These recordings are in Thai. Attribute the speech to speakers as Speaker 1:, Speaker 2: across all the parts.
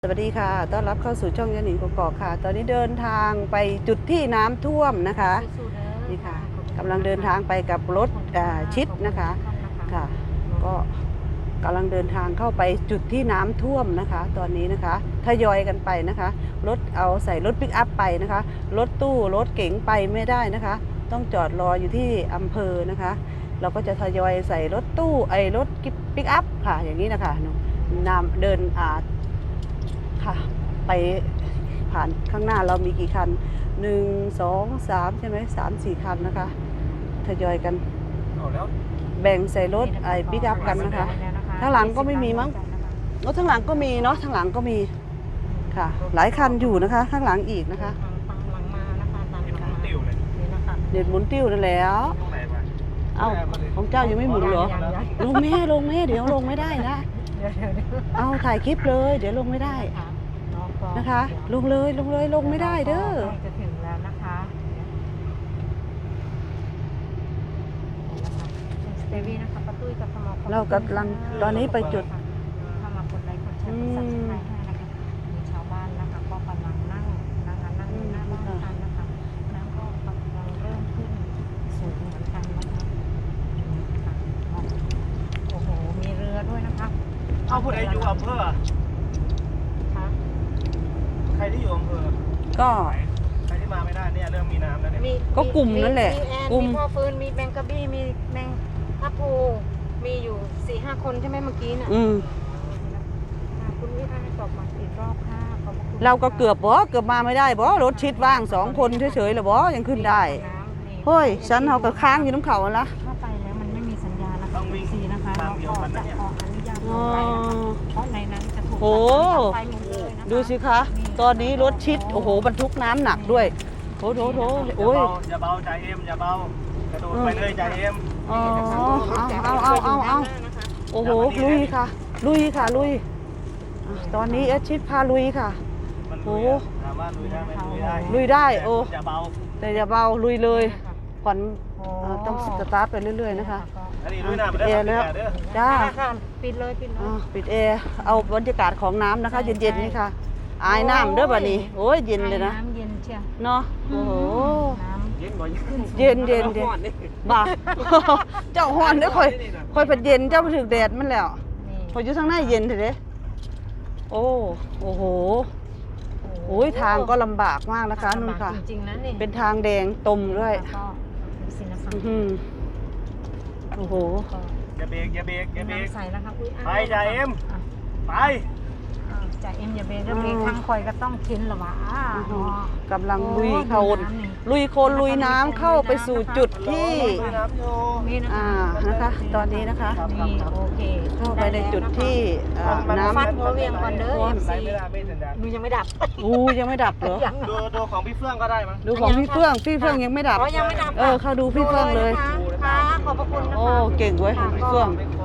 Speaker 1: สวัสดีค่ะต้อนรับเข้าสู่ช่องยาหนิงกกอกค่ะตอนนี้เดินทางไปจุดที่น้ำท่วมนะคะนี่ค่ะกำลังเดินทางไปกับรถชิดนะคะค่ะก็กำลังเดินทางเข้าไปจุดที่น้ำท่วมนะคะตอนนี้นะคะทยอยกันไปนะคะรถเอาใส่รถปิกอัพไปนะคะรถตู้รถเก๋งไปไม่ได้นะคะต้องจอดรออยู่ที่อำเภอนะคะเราก็จะทยอยใส่รถตู้รถปิกอัพค่ะอย่างนี้นะคะนำเดินค่ะไปผ่านข้างหน้าเรามีกี่คัน1 2 3ใช่ไหม3-4 คันนะคะทยอยกันแบ่งใส่รถปิกอัพกันนะคะข้างหลังก็ไม่มีมั้งรถข้างหลังก็มีเนาะข้างหลังก็มีค่ะหลายคันอยู่นะคะข้างหลังอีกนะคะเด็ดหมุนติ้วนั่นแล้วเอ้าของเจ้ายังไม่หมุนเหรอลงแม่เดี๋ยวลงไม่ได้นะเอาถ่ายคลิปเลยเดี๋ยวลงไม่ได้นะคะลงเลยลงไม่ได้เด้อ
Speaker 2: จะถึงแล้วนะคะสเตวีนะคะป้าตุ้ยกับสมอ
Speaker 1: เรากำลังตอนนี้ไปจุด
Speaker 2: ถ้ามากดไลค์กดแชร์กดซับสไครต์ให้นะคะมีชาวบ้านนะคะก็กำลังนั่งหน้าบ้านกันนะคะน้ำก็กำลังเริ่มขึ้นสูงเหมือนกันนะคะโอ้โหมีเรือด้วยนะคะ
Speaker 3: เอาผู้ใดอยู่อำเภอใครที่อยู่อำเภอ
Speaker 1: ก็
Speaker 3: ใครที่มาไม่ได้เนี่ยเริ่มมีน้ำแล้วเนี่ย
Speaker 1: ก็กลุ่มนั่นแหละ
Speaker 2: กลุ่มมีพ่อฟื้นมีแมงกะบี้มีแมงทับพูมีอยู่ 4-5 คนใช่ไหมเมื่อกี้น่ะคุณวิทย์ตอบมาอีกรอบค่ะขอบคุณ
Speaker 1: เราก็เกือบมาไม่ได้รถชิดว่าง2 คนเฉยๆเลยยังขึ้นได้เฮ้ยฉันเอากับค้างอยู่น้ำเขาแล้ว
Speaker 2: ถ้าไปแล้วมันไม่มีสัญญาณนะคะซีนะคะเราก็จะขออนุญาตลงไปนะคะเพราะในนั้นจะถูกตัดไฟหมดเลยนะคะ
Speaker 1: ดูสิคะตอนนี้รถชิดโอ้โหบรรทุกน้ำหนักด้วยโถโอ้ย
Speaker 3: อย่าเบาใจเอ็มอย่าเบากระโดดไปเลยใจเอ็ม
Speaker 1: เอาโอ้โหลุยค่ะตอนนี้ชิดพาลุยค่ะ
Speaker 3: โอ้ถามว่าลุยได้ไหม
Speaker 1: ลุยได้โอ้
Speaker 3: อย่าเบา
Speaker 1: แต่อย่าเบาลุยเลยผ่อนต้องสตาร์ทไปเรื่อยๆนะคะ
Speaker 3: ปิดแอร์แล้ว
Speaker 1: จ้า
Speaker 2: ปิดเลย
Speaker 1: ปิดแอร์เอาบรรยากาศของน้ำนะคะเย็นๆนี่ค่ะอายน้ำเด้อบัดนี้โอ้ยเย็นเลยนะ
Speaker 2: น้ำเย็นเชียว
Speaker 1: เนาะโอ้โห
Speaker 3: เย็นบ่
Speaker 1: เย็นบ่าเจ้าฮ้อนเด้อค่อยเป็นเย็นเจ้าไปถึงแดดมันแล้วพออยู่ข้างในเย็นเถอะเด้โอ้โหโอ้ยทางก็ลำบากมากนะคะนุ่นค่ะ
Speaker 2: จริงๆนะนี่
Speaker 1: เป็นทางแดงตมด้วยโอ้โห
Speaker 3: อย่าเบรก
Speaker 2: ใส่นะคะ
Speaker 3: ไปใจเอ็มไป
Speaker 2: จ่าเอ็มอย่าเบรกแล้วเบรกทางคอยก็ต้องกินหรอวะ
Speaker 1: กำลังลุยโคลนลุยน้ำเข้าไปสู่จุดที่นะคะตอนนี้นะคะเข้าไปในจุดที่น้ำ
Speaker 2: ฟัดหัวเวียงก่อนเด้อดูยังไม่ดับ
Speaker 1: ยังไม่ดับเหรอ
Speaker 3: ดูของพี่เฟื่องก็ได้มั้ง
Speaker 1: ดูของพี่เฟื่องยังไม่ดับเข้าดูพี่เฟื่องเลย
Speaker 2: ค่ะขอบพระคุณนะคะ
Speaker 1: โอ้เก่งเว้ยพี่เฟื่อง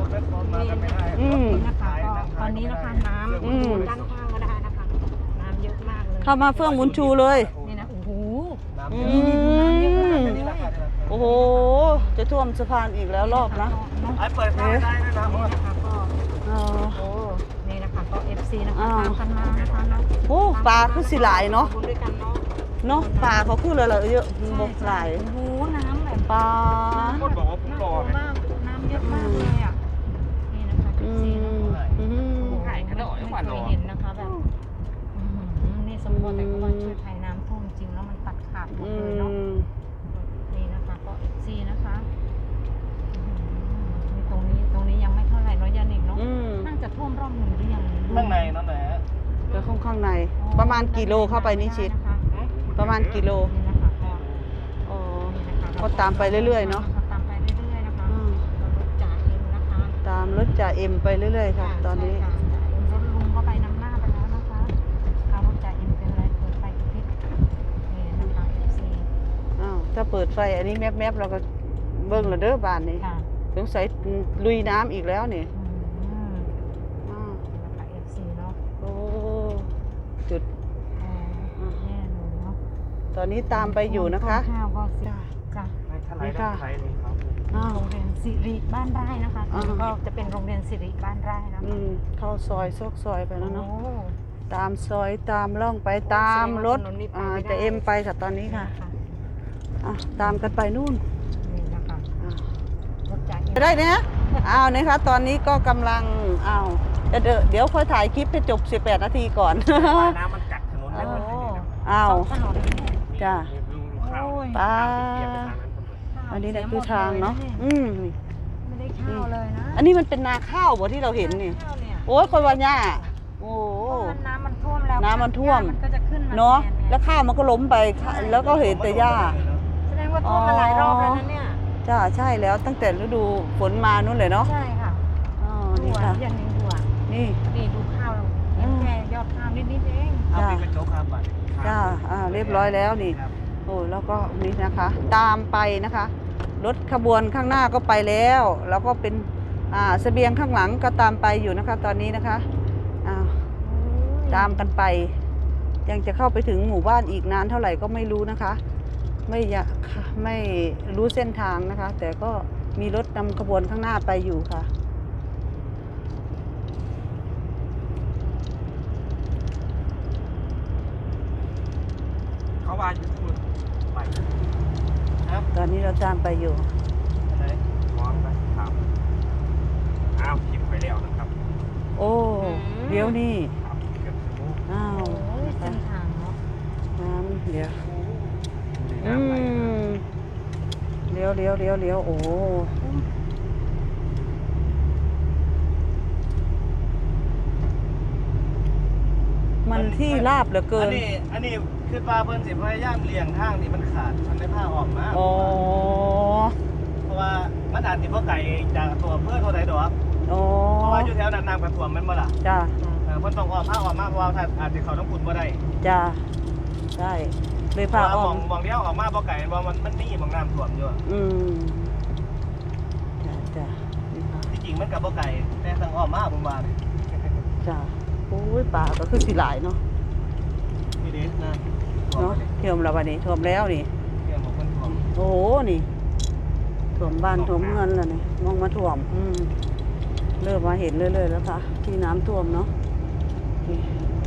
Speaker 2: ตอนนี้นะคะน้ำด้านข้างก็ได้นะคะน้ำเยอะมากเลย
Speaker 1: เข้ามาเฟื่องหมุนชูเลย
Speaker 2: นี่นะโอ้โห
Speaker 1: โอ้โหจะท่วมสะพานอีกแล้วรอบนะ
Speaker 3: เปิดไฟได้ด้วยนะ
Speaker 2: นี่นะคะก็ FC นะคะตามกันมานะคะเนาะ
Speaker 1: โอ้ปลาคือสิหลายเนาะปลาเขาคือเลยเยอะบกหลาย
Speaker 2: โอ้โหน้ำแบบ
Speaker 1: ปลา
Speaker 3: คนบอกว่าผมรอ
Speaker 2: มากน้ำเยอะมากเลยอ่ะนี่นะคะ FC
Speaker 3: ถ่ายกระโดด
Speaker 2: ไม่เคยเห็นนะคะแบบนี่สมบูรณ์แต่ก็ว่าช่วยภัยน้ำท่วมจริงแล้วมันตัดขาดหมดเลยเนาะนี่นะคะก็ FC นะคะตรงนี้ยังไม่เท่าไหร่เนาะยานิกเนาะน่าจะท่วมรอบหนึ่งหรือยัง
Speaker 3: ข้างในนั่นแหละ
Speaker 1: แล้วข้างในประมาณกี่โลเข้าไปนี่ชิดประมาณกี่โลก็ตามไปเรื่อยๆเนาะ
Speaker 2: ตามไปเรื่อยๆนะคะรถจ่าเอ็มนะคะ
Speaker 1: ตามรถจ่าเอ็มไปเรื่อยๆค่ะตอนนี้
Speaker 2: รถลุงก็ไปนำหน้าไปแล้วนะคะเอารถจ่าเอ็มเป็นอะไรเปิดไฟกระพริบนี่นะคะ FC
Speaker 1: ถ้าเปิดไฟอันนี้แมปเราก็เบิ้งละเด้อบ้านนี้สงสัยลุยน้ำอีกแล้วนี่
Speaker 2: นะคะ FC เนาะ
Speaker 1: โอ้จุด
Speaker 2: แน่เลยเนาะ
Speaker 1: ตอนนี้ตามไปอยู่นะคะ
Speaker 2: ข้าวก็จ้ะ
Speaker 1: นี่ค่ะ
Speaker 2: โรงเรียนสิริบ้านไร่นะคะก็จะเป็นโรงเรียนสิริบ้านไร่นะ
Speaker 1: เข้าซอยซอกซอยไปแล้วเนาะตามซอยตามร่องไปตามรถ
Speaker 2: ถนนนี้ไปไม่ได้
Speaker 1: จะเอ็มไปค่ะตอนนี้ค่ะ
Speaker 2: ค่ะ
Speaker 1: อ่ะตามกันไปนู่น
Speaker 2: นี่นะคะ
Speaker 1: อ่ะ
Speaker 2: รถจาก
Speaker 1: ไปได้เนี่ยอ้าวนะคะตอนนี้ก็กำลังอ้าวเดี๋ยวค่อยถ่ายคลิปให้จบ 18 นาทีก่อน
Speaker 3: น้ำมันกัดถนนเลย
Speaker 1: อ้าว
Speaker 2: ถนนนี่
Speaker 1: จ้ะ
Speaker 3: ดูข่าว
Speaker 2: โอ้ย
Speaker 1: ปลา
Speaker 3: เปียกไปทางนั้น
Speaker 1: อันนี้แหละคือทางเนาะนี่
Speaker 2: ไม่ได้ข้าวเลยนะ
Speaker 1: อันนี้มันเป็นนาข้าวบ่ที่เราเห็นนี่
Speaker 2: ข้าวเนี่ย
Speaker 1: โอ้ยคนวันย่าโอ้
Speaker 2: เพราะว่าน้ำมันท่วมแล้ว
Speaker 1: น้ำมันท่วม
Speaker 2: มันก็จะขึ้นมา
Speaker 1: เนาะ
Speaker 2: แทน
Speaker 1: แล้วข้าวมันก็ล้มไปแล้วก็เห็นแต่หญ้า
Speaker 2: แสดงว่าท่วมมาหลายรอบแล้วนะเนี่ย
Speaker 1: จ้าใช่แล้วตั้งแต่ฤดูฝนมานู่นเลยเนาะ
Speaker 2: ใช่ค่ะ
Speaker 1: อ๋อ
Speaker 2: ดู
Speaker 1: นี่
Speaker 2: อ่ะ
Speaker 1: ค่ะ
Speaker 2: อย่างนี้ดูอ่ะ
Speaker 1: นี่
Speaker 2: นี่ดูข้าวเราเห็นแค่ยอดข้าวนิดๆเอง
Speaker 3: เอาไปเป็นโจ๊กครับบัตร
Speaker 1: จ้าเรียบร้อยแล้วนี่
Speaker 3: ครับ
Speaker 1: โอ้แล้วก็นี่นะคะ ตามไปนะคะ รถขบวนข้างหน้าก็ไปแล้ว แล้วก็เป็นเสบียงข้างหลังก็ตามไปอยู่นะคะ ตอนนี้นะคะตามกันไป ยังจะเข้าไปถึงหมู่บ้านอีกนานเท่าไหร่ก็ไม่รู้นะคะ ไม่รู้เส้นทางนะคะ แต่ก็มีรถนำขบวนข้างหน้าไปอยู่ค่ะ
Speaker 3: เขาว่าอยู่ที่มือไปครับ
Speaker 1: ตอนนี้เราตามไปอยู่
Speaker 3: อะไรมองไปถามอ้าวพิมพ์ไปแล้วนะครับ
Speaker 1: โอ้เดี๋ยวนี่
Speaker 3: ครับเกือบชั่วโมง
Speaker 1: อ้าว
Speaker 2: โอ้ยเส้นทางเนาะ
Speaker 1: น้ำเดี๋ยว
Speaker 3: น้ำไหล
Speaker 1: เลี้ยวโอ้มันที่ราบเหลือเกิน
Speaker 3: อันนี้คือปลาเพิ่นสิพยายามเลี่ยงทางที่มันขาดมันได้ผ้าออกมา
Speaker 1: อ๋อ
Speaker 3: เพราะว่ามันอาจสิบ่ไกลจากตัวเพื่อนเท่าใดดอก
Speaker 1: อ๋อ
Speaker 3: เพราะว่าอยู่แถวนั้นน้ำกระท่วมแม่นบ่ล่ะ
Speaker 1: จ้า
Speaker 3: เพิ่นต้องออกผ้าออกมาเพราะว่าถ้าอาจสิเข้าน้ำขุ่นบ่ได้
Speaker 1: จ้าใช่เลย
Speaker 3: เพ
Speaker 1: พา
Speaker 3: ราะว่า
Speaker 1: อ้อม
Speaker 3: มองเดียวออกมาบ่ไกลเพราะมันมีหม่องน้ำท่วมอยู่
Speaker 1: อืมจ้านี่ค่ะ
Speaker 3: ที่จริงมันก็บ่ไกลแต่ทางอ้อมมาผมว่านี่
Speaker 1: จ้าโอ้ยป่าก็คือสิหลายเนาะ
Speaker 3: นี่เด้นะ
Speaker 1: เนาะเทียมแล้ววันนี้ท่วมแล้วนี่
Speaker 3: เรื่องของเพิ่นท่วม
Speaker 1: โอ้โหนี่ท่วมบ้านท่วมเมืองแล้วนี่มองมาท่วมเริ่มมาเห็นเรื่อยๆแล้วค่ะ ที่น้ำท่วมเนาะนี่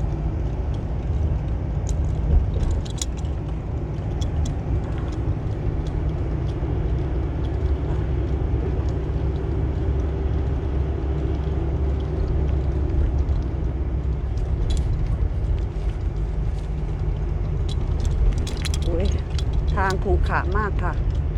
Speaker 1: โอ้ยทางขรุขระมากค่ะ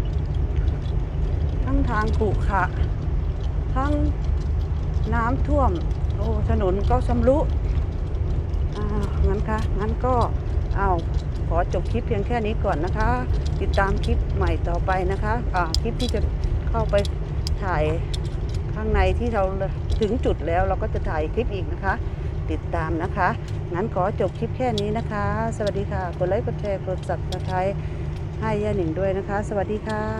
Speaker 1: ทั้งทางขรุขระทั้งน้ำท่วม โอ้ถนนก็ชำรุงั้นค่ะงั้นก็ขอจบคลิปเพียงแค่นี้ก่อนนะคะ ติดตามคลิปใหม่ต่อไปนะคะคลิปที่จะเข้าไปถ่ายข้างในที่เราถึงจุดแล้วเราก็จะถ่ายคลิปอีกนะคะ ติดตามนะคะงั้นขอจบคลิปแค่นี้นะคะ สวัสดีค่ะกดไลค์กดแชร์กด Subscribeให้ย่าหนิงด้วยนะคะ สวัสดีค่ะ